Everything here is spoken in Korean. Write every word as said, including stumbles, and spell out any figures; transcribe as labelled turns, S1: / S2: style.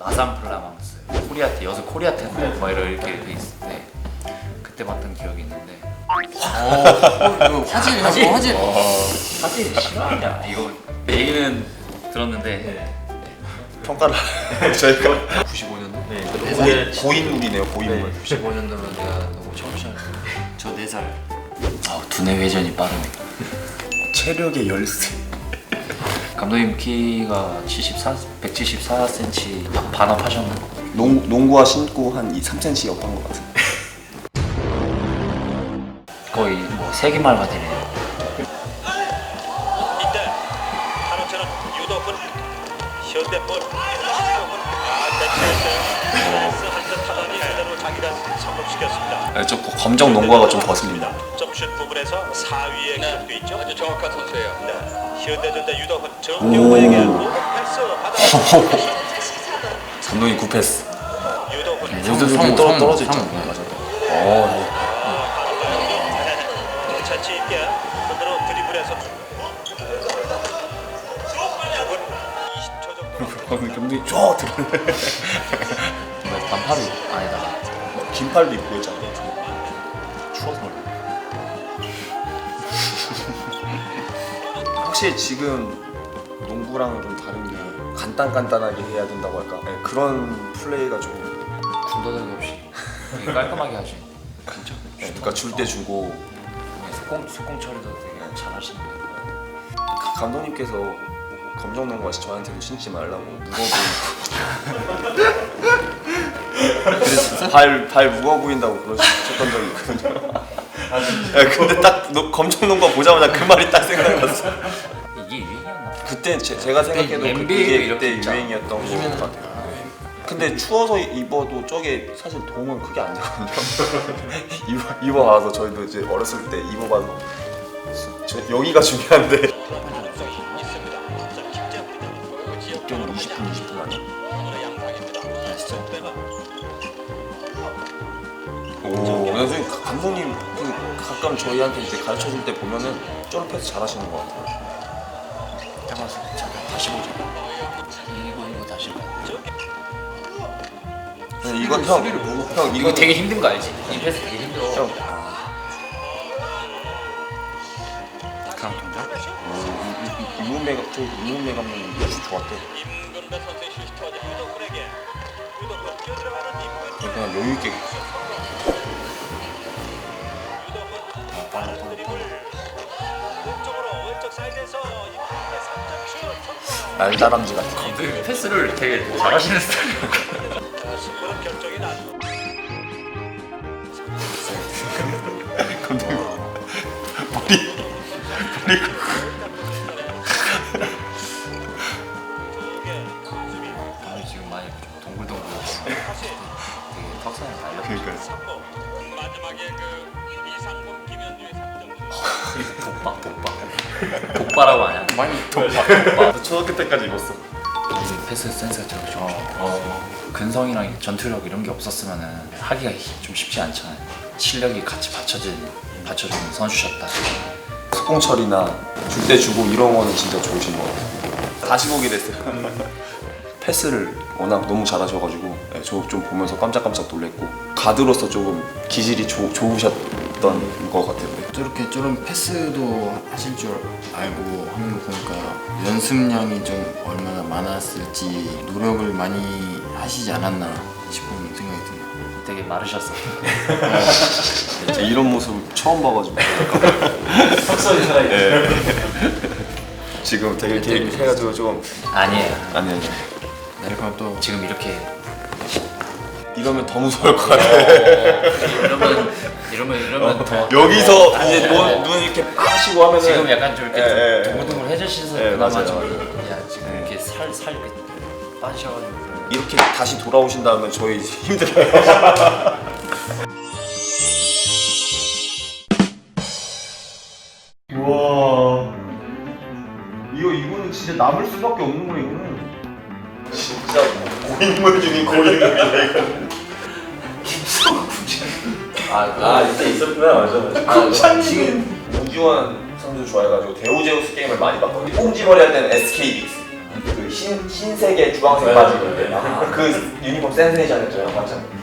S1: 아산플라망스 코리아테 여수 코리아테인데 막 이렇게 돼 있을 때 그때 봤던 기억이 있는데.
S2: 어, 어 화질 화질 화질.
S1: 사실 싫어하냐 이거 얘기는 들었는데
S3: 평가를 저희가 구십오 년도?
S2: 네.
S3: 고인, 고인물이네요. 고인물.
S2: 구십오 년도면 내가 너무 청춘. 저 네 살.
S1: 아, 두뇌 회전이 빠르네.
S3: 체력의 열쇠.
S1: 감독님 키가 칠십사, 백칠십사 센티미터 반업하셨나?
S3: 농, 농구화 신고 한 삼 센티미터였던 것 같아요.
S1: 거의 뭐 세기말 같으네요.
S4: 이때 한호철은 유도훈 현대볼 아 대체했어요. 한듯 하더니 그대로 자기를 성공시켰습니다.
S3: 네, 저 검정 농구화가 좀 거슬립니다.
S4: 점슛 부분에서 사 위에 기록돼 있죠.
S5: 아주 정확한 선수예요.
S4: 네. 현대전자 유도훈 정경호에게 오버 패스 받아.
S3: 감독님 구패스.
S4: 유도훈
S1: 네,
S3: 요새도
S2: 성,
S3: 떨어,
S2: 성,
S3: 떨어져
S2: 성.
S3: 있잖아요. 맞아요. 어,
S4: 자치 있게 그대로 드리블해서 이십 초 정도.
S3: 어, 감독님 쫙 들어.
S1: 정말 반팔이 안에다가
S3: 긴팔도 입고 있잖아요. 추워서. 확실히 지금 농구랑은 좀 다른 게 간단간단하게 해야 된다고 할까? 네, 그런 플레이가 좀
S1: 군더더기 없이 되게 깔끔하게 하시.
S3: 그렇죠. 네, 그러니까 줄 때 주고
S1: 속공 속공 처리도 되게 잘하시는 거.
S3: 감독님께서 검정 농구화 저한테도 신지 말라고 무거워 보인다고 발, 발 무거워 보인다고 그러셨던 적이 있거든요. 야, 근데 딱 너 검정 농구화 보자마자 그 말이 딱 생각났어.
S1: 이게 유행이었나?
S3: 그때 제, 제가 생각해도
S1: 그때
S3: 그게
S1: 엔비에이도
S3: 그때
S1: 이렇게
S3: 유행이었던 것
S2: 요즘에는
S3: 같아요. 근데 추워서 입어도 저게 사실 도움은 크게 안 되거든요. 입어, 입어봐서 저희도 이제 어렸을 때 입어봐서 저, 여기가 중요한데 역경 이십 분 이십 분 아니야? 오, 나중에 감독님 그 가끔 저희한테 이제 가르쳐 줄 때 보면은 쩔 패스 잘하시는 것 같아요.
S1: 해봐서 잠깐 다시 보자. 이거 이거 다시 봐.
S3: 네, 이건 형, 형
S1: 이거
S3: 이거
S1: 되게 힘든 거 알지? 이 패스 되게 힘들어.
S3: 형,
S1: 그냥 동작?
S3: 이문배 저 이문배 감독님 슛 좋았대.
S4: 임근배 선수의 슛이 터져 유도훈에게 유도훈 뛰어들어가는 임근.
S3: 그냥 여유 있게
S4: 유도훈 빠른 드리블 왼쪽으로 왼쪽 사이드에서 임근배 삼 점 슛 성공.
S3: 날다람쥐 같은.
S1: 감독님 패스를 되게 잘하시는 스타일이에요.
S4: 승부는 결정이 난.
S3: 감독님 머리 머리
S1: 오늘 지금 많이 좀 동글동글하고 되게 턱선이 달려.
S3: 그러니까
S4: 마지막에 그 이상범 김현주의 삼 점.
S1: 독박 독박. 독바라고 하냐?
S2: 많이
S1: 독박 독박.
S3: 나 초등학교 때까지 입었어.
S1: 우리 패스 센스가 저렇게 좋으어 근성이랑 전투력 이런 게 없었으면은 하기가 좀 쉽지 않잖아요. 실력이 같이 받쳐진 받쳐주는 선수셨다.
S3: 속공 처리나 줄 때 주고 이런 거는 진짜 좋으신 것 같아요. 다시 보게 됐어요. 패스를 워낙 너무 잘하셔가지고 네, 저 좀 보면서 깜짝깜짝 놀랐고 가드로서 조금 기질이 조, 좋으셨던 것 같아요. 네.
S2: 저렇게 저런 패스도 하실 줄 알고 하는 거 보니까 연습량이 좀 얼마나 많았을지 노력을 많이 하시지 않았나 싶은 생각이 듭니다.
S1: 되게 마르셨어.
S3: 진짜 이런 모습 처음 봐가지고
S1: 턱선이 살아있네.
S3: 지금 되게 이렇게 해가지고 좀
S1: 아니에요.
S3: 아니 아니
S2: 내려가면 또
S1: 지금 이렇게
S3: 이러면 더 무서울 것 같아.
S1: 이러면 이러면 이러면 더
S3: 여기서
S1: 더-
S3: 이제
S1: 어,
S3: 눈, 눈 이렇게 빠시고 하면은
S1: 지금 약간 좀 이렇게
S3: 예, 예.
S1: 동글동글해지셔서
S3: 예,
S1: 그나마
S3: 맞아요,
S1: 좀
S3: 맞아요.
S1: 야, 지금
S3: 예.
S1: 이렇게 살살 이렇게 빠지셔가지고
S3: 이렇게 다시 돌아오신다면 저희 힘들어요. 와 이거 이거는 진짜 남을 수밖에 없는 거야 이거는. 진짜 고인물 중에 고인물이야 이거.
S1: 아,
S3: 아 이때 있었구나 맞아.
S1: 아,
S3: 우주환 선수 좋아해가지고 데오제우스 게임을 많이 봤거든요. 꽁지머리 할 때는 에스케이 빅스. 그 흰, 흰색에 주황색 바지 입을 때. 아, 그 유니폼 센세이션이었죠, 맞죠?